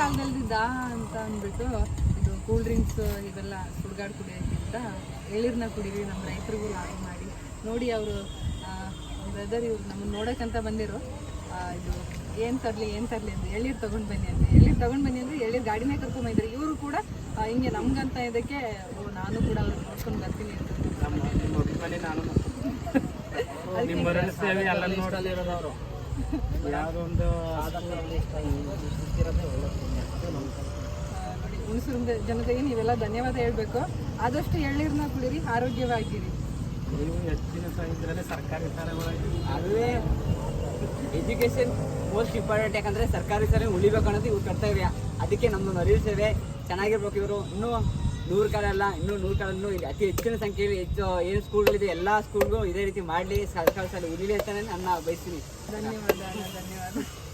ಕಾಲದಲ್ಲಿ ದಾಹ ಅಂತ ಅಂದ್ಬಿಟ್ಟು ಇದು ಕೂಲ್ ಡ್ರಿಂಕ್ಸ್ ಇವೆಲ್ಲ ಸುಡ್ಗಾಡು ಕುಡಿಯೋಕ್ಕಿಂತ ಎಳ್ನೀರನ್ನ ಕುಡೀರಿ, ನಮ್ಮ ರೈತರಿಗೂ ಲಾಭ ಮಾಡಿ. ನೋಡಿ ಅವರು ಬ್ರದರ್ ಇವ್ರು ನಮ್ಮನ್ನು ನೋಡೋಕ್ಕಂತ ಬಂದಿರೋ ಇದು ಏನು ತರಲಿ ಅಂತ ಎಳ್ನೀರು ತೊಗೊಂಡು ಬನ್ನಿ ಅಂದರೆ ಎಳ್ನೀರು ಗಾಡಿನೇ ಕರ್ಕೊಂಬಂದಿದ್ರು. ಇವರು ಕೂಡ ಹಿಂಗೆ ನಮ್ಗಂತ ಇದಕ್ಕೆ ನಾನು ಕೂಡ ಅವ್ರು ನೋಡ್ಕೊಂಡು ಬರ್ತೀನಿ ಅಂತ ನೋಡಿ, ಹುಣಸೂರು ಜನತೆಗೆ ನೀವೆಲ್ಲ ಧನ್ಯವಾದ ಹೇಳಬೇಕು. ಆದಷ್ಟು ಎಳ್ನೀರನ್ನ ಕುಡೀರಿ, ಆರೋಗ್ಯವಾಗಿರಿ. ನೀವು ಹೆಚ್ಚಿನ ಇದರಲ್ಲಿ ಸರ್ಕಾರಿ ಶಾಲೆಗಳಲ್ಲಿ ಅಲ್ಲೇ ಎಜುಕೇಶನ್ ಮೋಸ್ಟ್ ಇಂಪಾರ್ಟೆಂಟ್. ಯಾಕಂದರೆ ಸರ್ಕಾರಿ ಶಾಲೆ ಉಳಿಬೇಕು ಅನ್ನೋದು ಇವ್ರು ಕರ್ತವ್ಯ. ಅದಕ್ಕೆ ನಮ್ಮದು ಅರಿವು ಸೇವೆ ಚೆನ್ನಾಗಿರ್ಬೇಕು. ಇವರು ಇನ್ನೂ 100 ಕಾಲ ಅಲ್ಲ, ಇನ್ನೂ 100 ಕಾಲ ಇನ್ನೂ ಅತಿ ಹೆಚ್ಚಿನ ಸಂಖ್ಯೆಯಲ್ಲಿ ಹೆಚ್ಚು ಏನು ಸ್ಕೂಲ್ಗಳಿದೆ ಎಲ್ಲ ಸ್ಕೂಲ್ಗೂ ಇದೇ ರೀತಿ ಮಾಡಲಿ, ಸರ್ಕಾರಿ ಶಾಲೆ ಉಳಿಲಿ ಅಂತಲೇ ನನ್ನ ಬಯಸ್ತೀನಿ. ಧನ್ಯವಾದ.